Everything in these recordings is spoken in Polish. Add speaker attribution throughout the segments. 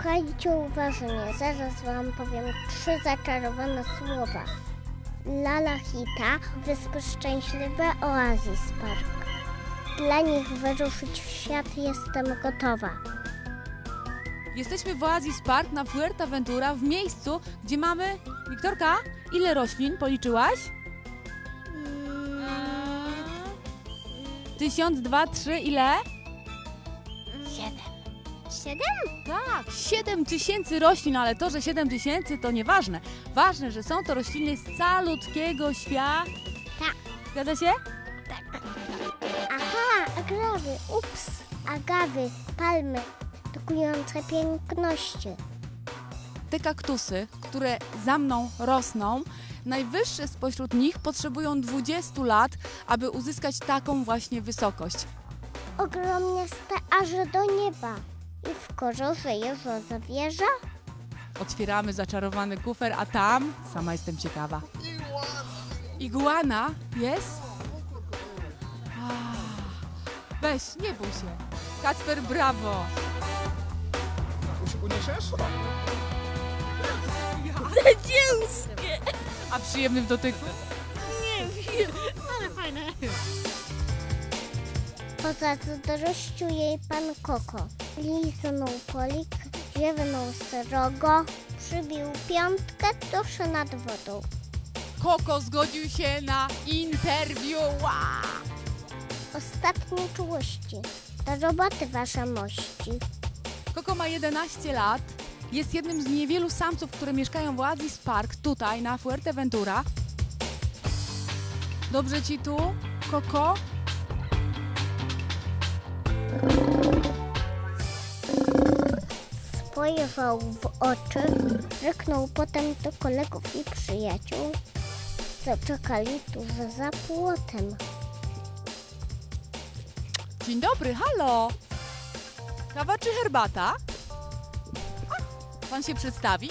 Speaker 1: Słuchajcie uważnie, zaraz wam powiem 3 zaczarowane słowa. Lala Hita, Wyspy Szczęśliwe, Oasis Park. Dla nich wyruszyć w świat jestem gotowa.
Speaker 2: Jesteśmy w Oasis Park na Fuerteventura, w miejscu, gdzie mamy... Wiktorka, ile roślin policzyłaś? 1000, 2, 3, ile?
Speaker 1: 7?
Speaker 2: Tak, 7000 roślin, ale to, że 7000 to nieważne. Ważne, że są to rośliny z calutkiego świata.
Speaker 1: Tak.
Speaker 2: Zgadza się?
Speaker 1: Tak. Aha, agawy, palmy, dokujące piękności.
Speaker 2: Te kaktusy, które za mną rosną, najwyższe spośród nich potrzebują 20 lat, aby uzyskać taką właśnie wysokość.
Speaker 1: Ogromniaste aż do nieba. I w korze żyje zawierza?
Speaker 2: Otwieramy zaczarowany kufer, a tam, sama jestem ciekawa. Iguana jest? Weź, nie bój się. Kacper, brawo!
Speaker 3: Uniesiesz?
Speaker 4: Dzięskie!
Speaker 2: A przyjemny w dotyku?
Speaker 4: Nie wiem, ale fajne.
Speaker 1: Po zazdrościu jej pan Koko. Liznął polik, ziewnął srogo, przybił piątkę tuż nad wodą.
Speaker 2: Koko zgodził się na interwiu.
Speaker 1: Ostatnie czułości. Do roboty wasza mości.
Speaker 2: Koko ma 11 lat. Jest jednym z niewielu samców, które mieszkają w Oasis Park, tutaj na Fuerteventura. Dobrze ci tu, Koko?
Speaker 1: Spojrzał w oczy, ryknął potem do kolegów i przyjaciół, co czekali tuż za płotem.
Speaker 2: Dzień dobry, halo! Kawa czy herbata? Pan się przedstawi?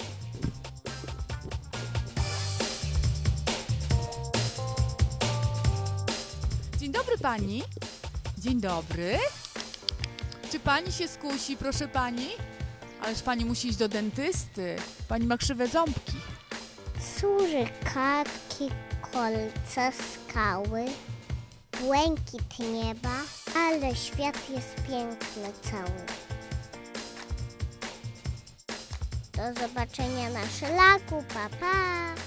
Speaker 2: Dzień dobry pani. Dzień dobry. Czy pani się skusi, proszę pani? Ależ pani musi iść do dentysty. Pani ma krzywe ząbki.
Speaker 1: Surykatki, kolce, skały, błękit nieba, ale świat jest piękny cały. Do zobaczenia na szlaku, pa pa!